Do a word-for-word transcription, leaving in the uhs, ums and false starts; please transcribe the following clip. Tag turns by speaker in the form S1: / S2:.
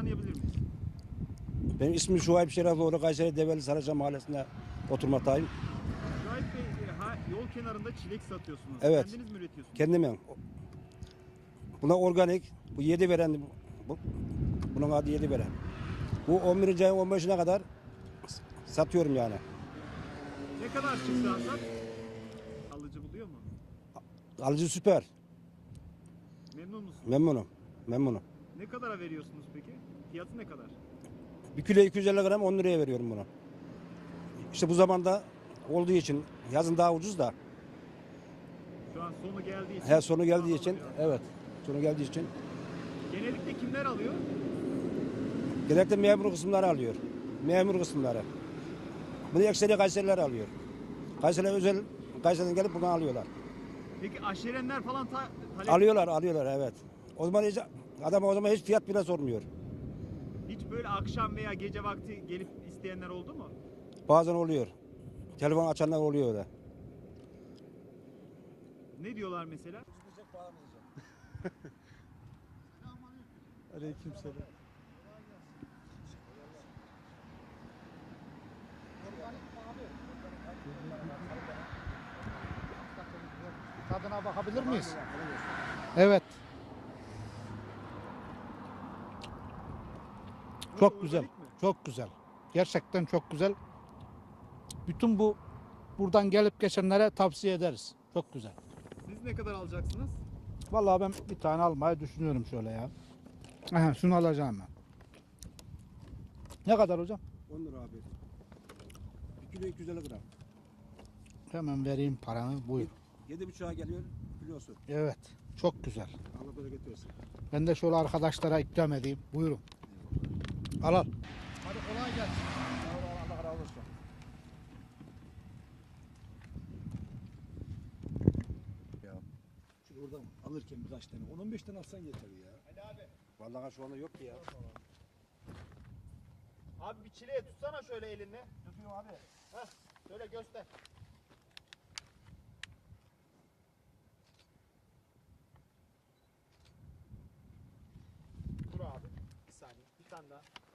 S1: tanıyabilir miyiz?
S2: Benim ismim Şuayb Şerefioğlu, Kayseri Develi Saraçhane Mahallesi'nde oturmaktayım.
S1: Şahit Bey, e, ha, yol kenarında çilek satıyorsunuz.
S2: Evet.
S1: Kendiniz mi üretiyorsunuz?
S2: Kendim. Buna organik, bu yedi veren, bu, bunun adı yedi veren. Bu on birinci ayın on beşine kadar satıyorum yani.
S1: Ne kadar çıktı hasat? Alıcı buluyor mu?
S2: Alıcı süper,
S1: Memnun musunuz?
S2: memnunum, memnunum.
S1: Ne kadara veriyorsunuz peki? Fiyatı ne kadar?
S2: Bir kilo iki yüz elli gram on liraya veriyorum bunu. İşte bu zamanda olduğu için, yazın daha ucuz da.
S1: Şu an sonu geldiği için.
S2: Her sonu geldiği
S1: pahalı
S2: için,
S1: oluyor.
S2: evet, sonu geldiği için.
S1: Genellikle kimler alıyor?
S2: Genellikle memur kısımları alıyor. Memur kısımları. Bunu ekseri Kayseriler alıyor. Kayseriler özel, Kayseri'den gelip bunu alıyorlar.
S1: Peki aşerenler falan ta talep
S2: Alıyorlar, alıyorlar evet. O zaman hiç, adam o zaman hiç fiyat bile sormuyor.
S1: hiç böyle akşam veya gece vakti gelip isteyenler oldu mu?
S2: Bazen oluyor. Telefon açanlar oluyor öyle.
S1: Ne diyorlar mesela?
S3: Aleykümselam.
S4: Tadına bakabilir miyiz? Evet. Çok
S1: Nasıl,
S4: güzel.
S1: organik mi?
S4: Çok güzel. Gerçekten çok güzel. Bütün bu buradan gelip geçenlere tavsiye ederiz. Çok güzel.
S1: Siz ne kadar alacaksınız?
S4: Vallahi ben bir tane almayı düşünüyorum şöyle ya. Aha, şunu alacağım ben. Ne kadar hocam?
S2: on lira abi. Bir kilo iki yüz elli gram.
S4: Hemen vereyim paranı. Buyur.
S2: Yedi buçuğa geliyor kilosu.
S4: Evet. Çok güzel.
S2: Allah bereket versin.
S4: Ben de şöyle arkadaşlara ikram edeyim. Buyurun. Al al. Hadi kolay gelsin.
S2: Allah razı olsun.
S3: Ya. Şu oradan alırken birkaç tane. on on beş tane alsan yeter ya.
S1: Ali abi.
S2: Vallahi şu anda yok ki ya.
S1: Abi bir çileğe tutsana şöyle elinle. Tutuyorum abi. Heh, şöyle göster. Dur abi. Bir saniye. Bir tane daha.